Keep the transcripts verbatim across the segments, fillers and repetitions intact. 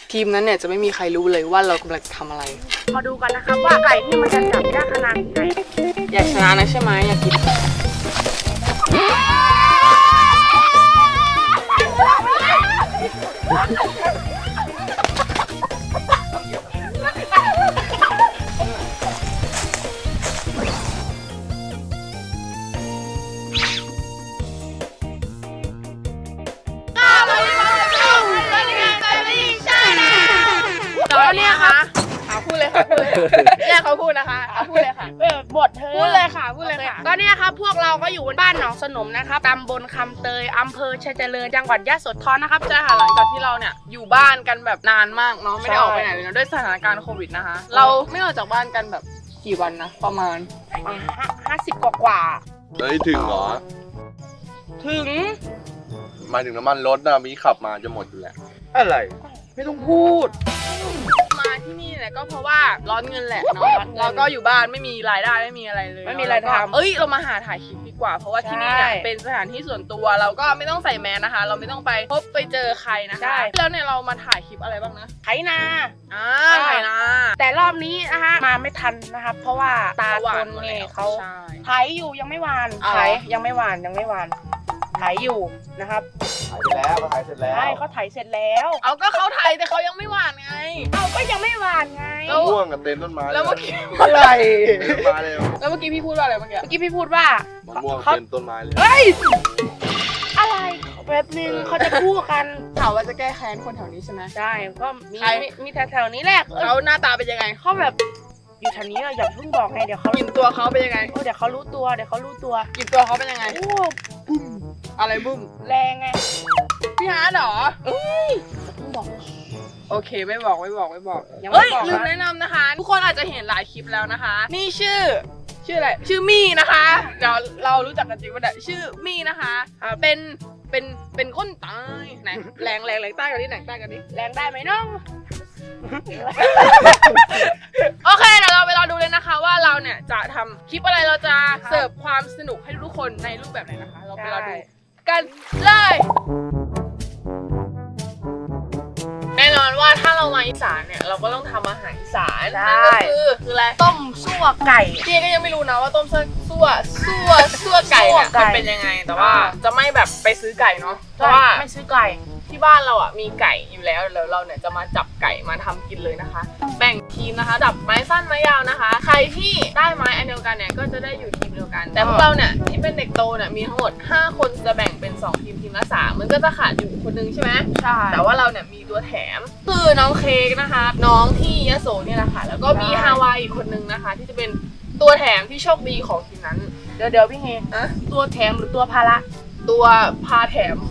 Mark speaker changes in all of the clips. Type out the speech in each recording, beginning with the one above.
Speaker 1: ทีมนั้นเนี่ยจะไม่มีใครรู้เลยว่าเรากำลังทำอะไร
Speaker 2: มาดูกันนะครับว่าไก่ที่มันจะจับยากขนาดไหน
Speaker 1: อยากชนะนะใช่ไหมอยากกินตอนนี้ค่ะเอาพูดเลยค่ะพูดเลยแย่เขาพูดนะคะเอาพูดเลยค่ะ
Speaker 2: เออบทเธอ
Speaker 1: พูดเลยค่ะพูดเลยค่ะ
Speaker 2: ตอนนี้ครับพวกเราก็อยู่บ้านหนองสนมนะครับตำบลคำเตยอำเภอชัยเจริญจังหวัดยะโสธรนะครับ
Speaker 1: ใช่ค่ะหลังจากที่เราเนี่ยอยู่บ้านกันแบบนานมากเนาะไม่ได้ออกไปไหนเลยนะด้วยสถานการณ์โควิดนะคะเราไม่ออกจากบ้านกันแบบกี่วันนะประมาณ
Speaker 2: ห้าสิบกว่ากว่า
Speaker 3: เฮ้ยถึงเหรอ
Speaker 2: ถึง
Speaker 3: หมายถึงน้ำมันรถนะมีขับมาจะหมดอยู่แหละ
Speaker 1: อะไรไม่ต้องพูดมาที่นี่เนี่ยก็เพราะว่าร้อนเงินแหละเนาะเราก็อยู่บ้านไม่มีรายได้ไม่มีอะไรเลย
Speaker 2: ไม่มีอะไรทำ
Speaker 1: เอ้ยเรามาหาถ่ายคลิปดีกว่าเพราะว่าที่นี่เนี่ยเป็นสถานที่ส่วนตัวเราก็ไม่ต้องใส่แมสนะคะเราไม่ต้องไปพบไปเจอใครนะคะแล้วเนี่ยเรามาถ่ายคลิปอะไรบ้างนะ
Speaker 2: ไถนา
Speaker 1: อ่าไถนา
Speaker 2: แต่รอบนี้นะคะมาไม่ทันนะครับเพราะว่าตาคนเนี่ยเขาไถอยู่ยังไม่หวานไถยังไม่หวานยังไม่หวานไถอยู่นะครับ
Speaker 3: ถ่ายเสร็จแล้วเขาถ่ายเสร็จแล้ว
Speaker 2: ใช่เขาไถเสร็จแล้ว
Speaker 1: เอาก็เขาไถแต่เขายังไม่หวานไง
Speaker 2: เอาก็ยังไม่หวานไง
Speaker 3: ม่วงกับเต็มต้นไม้
Speaker 1: แล้วเมื่อกี้
Speaker 3: อะไรมาเร็ว
Speaker 1: แล้วเมื่อกี้พี่พูดว่าอะไรเมื่อกี้
Speaker 2: เมื่อกี้พี่พูดว่าม
Speaker 3: ะม่วงเต็มต้นไม้เลย
Speaker 2: เฮ้ยอะไรแบบนึงเขาจะพูดกัน
Speaker 1: ถามว่าจะแก้แค้นคนแถวนี้ใช่ไหม
Speaker 2: ใช่ก็มีมีแถวๆนี้แหละ
Speaker 1: เขาหน้าตาเป็นยังไง
Speaker 2: เขาแบบอยู่แถวนี้อย่าเพิ่งบอกไงเดี๋ยวเขา
Speaker 1: กินตัวเขาเป็นยังไง
Speaker 2: เดี๋ยวเขารู้ตัวเดี๋ยวเขารู้ตัว
Speaker 1: กินตัวเขาเป็นยังไง
Speaker 2: โอ้บุ้ม
Speaker 1: อะไรบุ้ม
Speaker 2: แรงไง
Speaker 1: พี่ฮาร์ดเหรอ
Speaker 2: เอ้ยเพิ่งบอก
Speaker 1: โอเคไม่บอกไม่บอกไม่บอกเฮ้ยลืมแนะนำนะคะทุกคนอาจจะเห็นหลายคลิปแล้วนะคะนี่ชื่อชื่ออะไรชื่อมี่นะคะเดี๋ยวเรารู้จักกันจริงป่ะเนี่ยชื่อมี่นะคะเป็นเป็นเป็นคนใต้ไหนแรงแรงแรงใต้กันดิแรงใต้กันดิ
Speaker 2: แรงได้ไหมน้อง
Speaker 1: โอเคเดี๋ยวเราไปรอดูเลยนะคะว่าเราเนี่ยจะทำคลิปอะไรเราจะเสิร์ฟความสนุกให้ทุกคนในรูปแบบไหนนะคะเราไปรอดูกันเลยแน่นอนว่าถ้าเรามาอีสานเนี่ยเราก็ต้องทำอาหารอีสานนั่นก็คือคืออะไร
Speaker 2: ต้มซั่วไก่
Speaker 1: พี่ก็ยังไม่รู้นะว่าต้มซั่วซั่วซั่วไก่เนี่ยมันเป็นยังไงแต่ว่าจะไม่แบบไปซื้อไก่เนาะเพราะว่า
Speaker 2: ไม่ซื้อไก่
Speaker 1: ที่บ้านเราอ่ะมีไก่อยู่แล้วแล้วเราเนี่ยจะมาจับไก่มาทำกินเลยนะคะแบ่งทีมนะคะดับไม้สั้นไม้ยาวนะคะใครที่ได้ไม้อันเดียวกันเนี่ยก็จะได้อยู่ทีมเดียวกันแต่พวกเราเนี่ยที่เป็นเด็กโตเนี่ยมีทั้งหมดห้าคนจะแบ่งเป็นสองทีมทีมละสามมันก็จะขาดอยู่คนนึงใช่ไหม
Speaker 2: ใช่
Speaker 1: แต่ว่าเราเนี่ยมีตัวแถมคือน้องเค้กนะคะน้องที่ยโสเนี่ยแหละค่ะแล้วก็มีฮาวายอีกคนนึงนะคะที่จะเป็นตัวแถมที่โชคดีของทีมนั้น
Speaker 2: เดี๋ยวเดี๋ยวพี่เฮตัวแถมหรือตัวภาระ
Speaker 1: ตัวพาแถม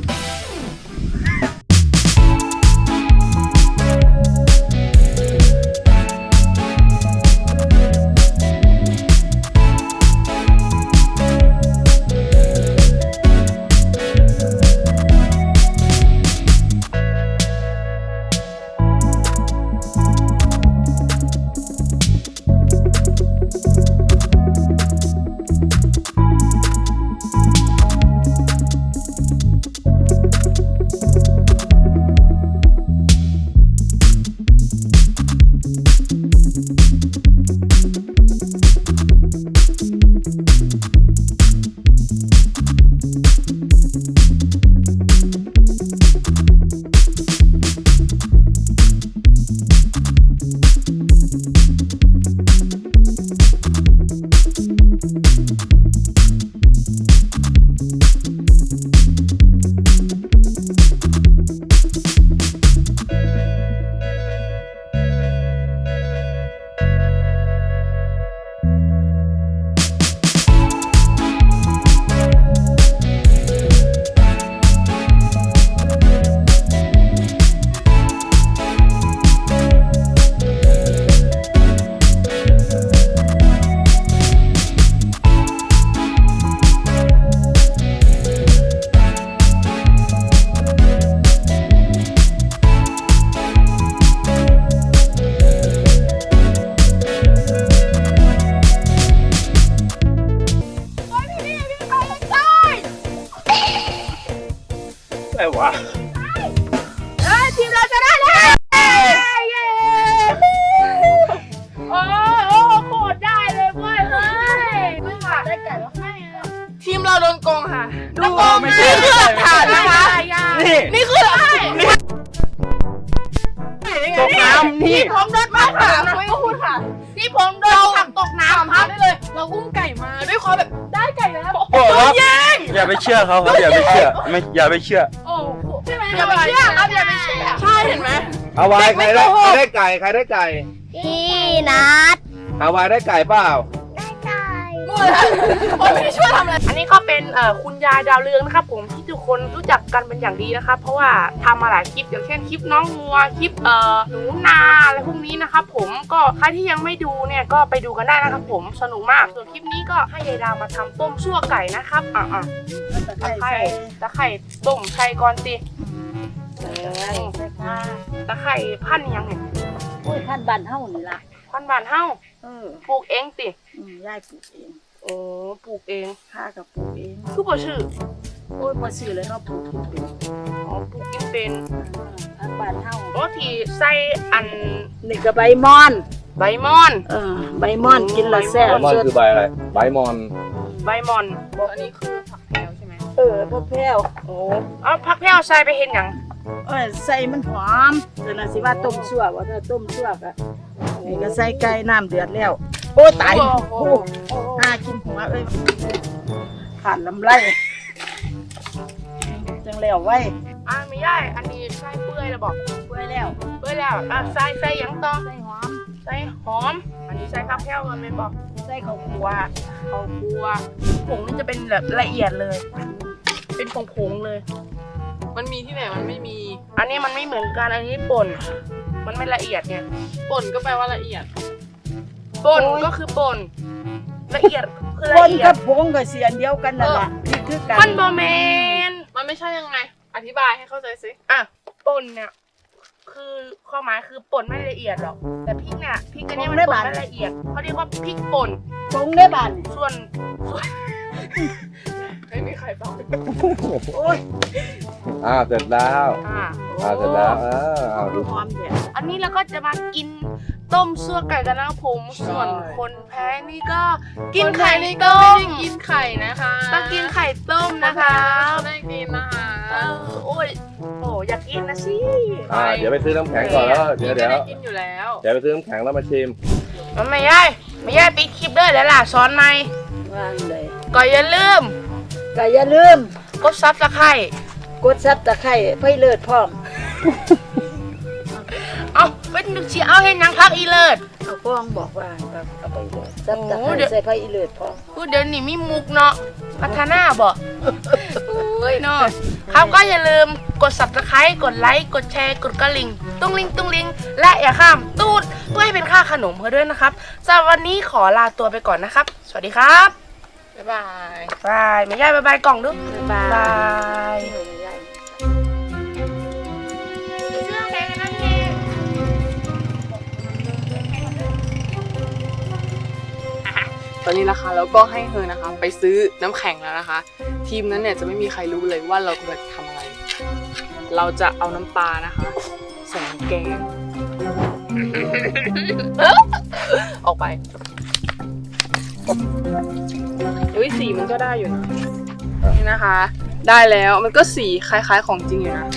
Speaker 2: ำนี่ผมโดนมาค่ะไม่ต้องพูดค่ะที่ผมโดนผักตกน้ำครับ
Speaker 1: ได้เลย เราอุ้มไก่มาด้วยความแบบได้ไก่แล้ว
Speaker 4: โอ้ครับอย่าไปเชื่อเขาครับอย่าไปเชื่อไม่อย่าไปเชื่อ
Speaker 1: โอ้โหใช่ไหม
Speaker 2: อย่าไปเชื่อครับอย่าไปเชื่อ
Speaker 1: ใช่เห็นไหม
Speaker 4: ฮาวายใครได้ใครได้ไก่ใครได้ไก่
Speaker 5: พี่นัด
Speaker 4: ฮาวายได้ไก่เปล่า
Speaker 5: ได้ไก่
Speaker 1: ผมไม่ได้ช่วยทำอะไร
Speaker 2: อันนี้ก็เป็นเอ่อคุณยายดาวเรืองนะครับผมที่ทุกคนรู้จักกันเป็นอย่างดีนะครับเพราะว่าทำมาหลายคลิปอย่างเช่นคลิปน้องงัวคลิปเอ่อหนูนาอะไรพวกนี้นะครับผมก็ใครที่ยังไม่ดูเนี่ยก็ไปดูกันได้นะครับผมสนุกมากส่วนคลิปนี้ก็ให้ยายดาวมาทำต้มซั่วไก่นะครับอ่ะอ่ะตะไคร่ตะไคร่ต้มไข่ก่อนสิตะไคร่พันธุ์ยังไง
Speaker 5: โอ้ยท่านบ้านเฮานี่ล่ะ
Speaker 2: พันธุ์บ้านเฮา
Speaker 5: เออ
Speaker 2: ปลูกเองสิ
Speaker 5: อืมยายปลูกเอง
Speaker 2: โอ้ปลูกเอง
Speaker 5: ข้าก็ปลูกเอง
Speaker 2: คือบ่ชื่อ
Speaker 5: โอ้ยบ่ซื้อเลยเนาะปลูกกินเป็น
Speaker 2: อ๋อปลูกกินเป็น
Speaker 5: ทางบ้านเฮา
Speaker 2: โอ้ที่ใส่อัน
Speaker 5: นี่ก็ใบมอน
Speaker 2: ใบมอน
Speaker 5: เออใบมอนกินและแซ่บ
Speaker 4: ใบมอน
Speaker 5: สด
Speaker 4: คือใบอะไรใบมอน
Speaker 2: ใบมอน
Speaker 1: อันนี้คือผักแพรวใช่ไหม
Speaker 5: เออพ่อแพ้ว
Speaker 2: โอ้เอาพักแพ้วใส่ไปเห็นหยัง
Speaker 5: เอ้ยใส่มันหอมแต่น่ะสิว่าต้มชั่วว่าถ้าต้มชั่วก็นี่ก็ใส่ไก่น้ำเดือดแล้ว โอ้ยตาย
Speaker 2: โอ้โห
Speaker 5: โอ้หากินหัวเอ้ยผ่านลำไรจังแล้วไว้
Speaker 2: อ่าไม่ได้อันนี้ใส่เปื่อยแล้วบอก
Speaker 5: เปื่อยแล้ว
Speaker 2: เปื่อยแล้วอ่ะใส่ใส่หยังต่อ
Speaker 5: ใส่หอม
Speaker 2: ใส่หอม อันนี้ใส่พักแพ้วมันเป็นบอก
Speaker 5: ใส่ข้าวคั่ว
Speaker 2: ว่าข้าวคั่วผงนี่จะเป็นแบบละเอียดเลย เป็นผงผงๆเลย
Speaker 1: มันมีที่ไหนมันไม่มี
Speaker 2: อันนี้มันไม่เหมือนกันอันนี้ป่น มันไม่ละเอียดไง
Speaker 1: ป่นก็แปลว่าละเอียด
Speaker 2: ป่นก็คือป่นละเอียดคือ
Speaker 5: ค
Speaker 2: ละ
Speaker 5: น
Speaker 2: เอีย
Speaker 5: กั
Speaker 2: ด
Speaker 5: บผงก็เสียอันเดียวกันนั่นแหละนี่คือกัน
Speaker 2: มันบอแมน
Speaker 1: มันไม่ใช่ยังไง อธิบายให้เข้าใจสิ
Speaker 2: อ่ะป่นเนี่ยคือความหมายคือป่นไม่ละเอียดหรอกแต่พริกเนี่ยพริกอันเนี้ยมันป่นไม่ละเอียดเขาเรียกว่าพริกป่น
Speaker 5: ผงได้บ้าน
Speaker 2: ส่วนส่วน
Speaker 1: ไม่มีใครฟัง
Speaker 5: โอ้ย
Speaker 4: อ่าเสร็จแล้ว
Speaker 2: อ่า
Speaker 4: อ่าเสร็จแล้วเออเอาดู
Speaker 5: หอมเดี๋ยว
Speaker 2: อันนี้เราก็จะมากินต้มซั่วไก่กันนะครับผมส่วนคนแพ้นี่ก็กินไข่
Speaker 1: นี่
Speaker 2: ต้
Speaker 1: ก็ไม่
Speaker 2: ม
Speaker 1: ได้กินไข่นะคะ
Speaker 2: ต้องกินไข่ต้มนะคะ
Speaker 1: ไม่ได้กินนะคะ
Speaker 2: เออโอ้ยโอ้อยากกินนะสิ
Speaker 4: อ่าเดี๋ยวไปซื้อน้ำแข็งก่อนแล้วเดี๋ยว
Speaker 1: ไม่
Speaker 4: เดี๋ยว
Speaker 1: ได้กินอยู่แล้ว
Speaker 4: เดี๋ยวไปซื้อน้ำแข็งแล้วมาชิม
Speaker 2: มันไม่ย่ายไม่ย่ายปิดคลิปเด้อแล้วล่ะซ้อนไหม
Speaker 5: วางเลย
Speaker 2: ก็อย่าลืม
Speaker 5: ก็อย่าลืม
Speaker 2: กดซับสไครต์
Speaker 5: กดซับตะไคร้ไฟเลิศพร้อม
Speaker 2: เอาเป็นนึกชีเอาเห็นยังพักอีเลิศ
Speaker 5: เอาฟ้องบอกว่าเอาไปเลยซับตะ
Speaker 2: โอ้
Speaker 5: ไคร้
Speaker 2: เดี๋ยว
Speaker 5: ใส่ไฟอีเลิศพร้อม
Speaker 2: พูดเดี๋ยวนี้มีมุกเนาะพัฒนาบ่โอ้ยเนาะครับก็อย่าลืมกด ซับสไครต์ กดไลค์กดแชร์กดกระลิ่งตุ้งลิงตุ้งลิงและอย่าข้ามตูดเพื่อให้เป็นค่าขนมเพื่อด้วยนะครับสำหรับวันนี้ขอลาตัวไปก่อนนะครับ สวัสดีครับ
Speaker 1: บ๊ายบาย
Speaker 2: บายไม่ย่ายบายบายกล่องดู
Speaker 5: บ๊ายบาย
Speaker 2: บาย
Speaker 5: เออใหญ่
Speaker 2: เชื่อแกกันนั่นเอง
Speaker 1: ตอนนี้นะคะแล้วก็ให้เธอนะคะ ไปซื้อน้ำแข็งแล้วนะคะ ทีมนั้นเนี่ยจะไม่มีใครรู้เลยว่าเรากำลังทำอะไร เราจะเอาน้ำปลานะคะใส่น้ำแกง ออกไปเฮ้ยสีมันก็ได้อยู่นะนี่นะคะ ได้แล้วมันก็สีคล้ายๆของจริงอยู่นะ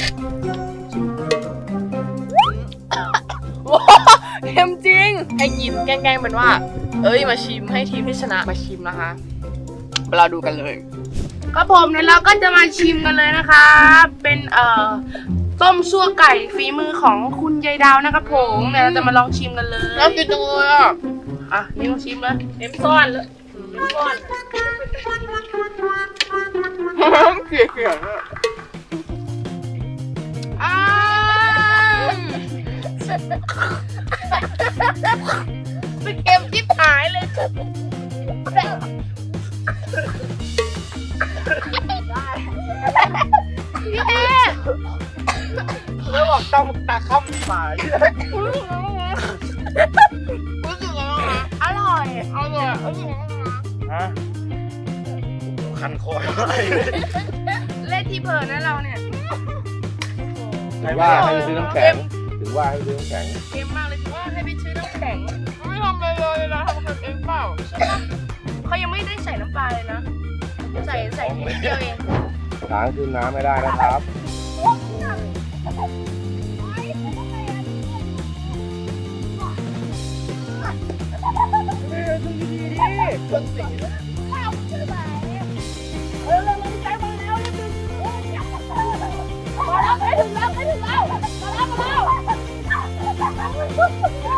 Speaker 1: ว้าวเค็มจริง ให้กินแกล้งๆเป็นว่า เอ้ยมาชิมให้ทีมที่ชนะมาชิมนะคะเราดูกันเลย
Speaker 2: ครับผมเดี๋ยวเราก็จะมาชิมกันเลยนะคะเป็นเอ่อต้มซั่วไก่ฝีมือของคุณยายดาวนะครับผมเดี๋ยวเราจะมาลองชิมกันเลย
Speaker 1: น่ากินจังเลยอ่ะ
Speaker 2: อ่ะนี่ลองชิมเลย
Speaker 1: เอ็มซ่อนเลยเอ็มซ่อนเกลียดเกลียด
Speaker 2: อ้าวเป็นเค็มจิ๊บหายเลยพี่เอ๊ะ
Speaker 4: แล้วบอกต้องตาข้ามสาย
Speaker 2: อร่อยอร่อยอร่อย
Speaker 4: ฮะคันคออะไร
Speaker 2: เล่นที่เพลินนะเราเนี่ย
Speaker 4: ถึงว่าให้ไปซื้อน้ำแข็งถึงว่าให้ไปซื้อน้ำแข็ง
Speaker 2: เค็มมากเลยว่าให้ไปซื้อน้ำแข็ง
Speaker 1: ไม่ทำอะไรเลยนะทำกันเองเปล่า
Speaker 2: เขายังไม่ได้ใส่น้ำปลาเลยนะ ใส่ใส่นิดเดียวเอง
Speaker 4: ล้างขึ้นน้ำไม่ได้นะครับ
Speaker 2: เออเราใจมาแล้วนิดนึงมาแล้วไปถึงแล้วไปถึงแล้วมาแล้วมาแล้ว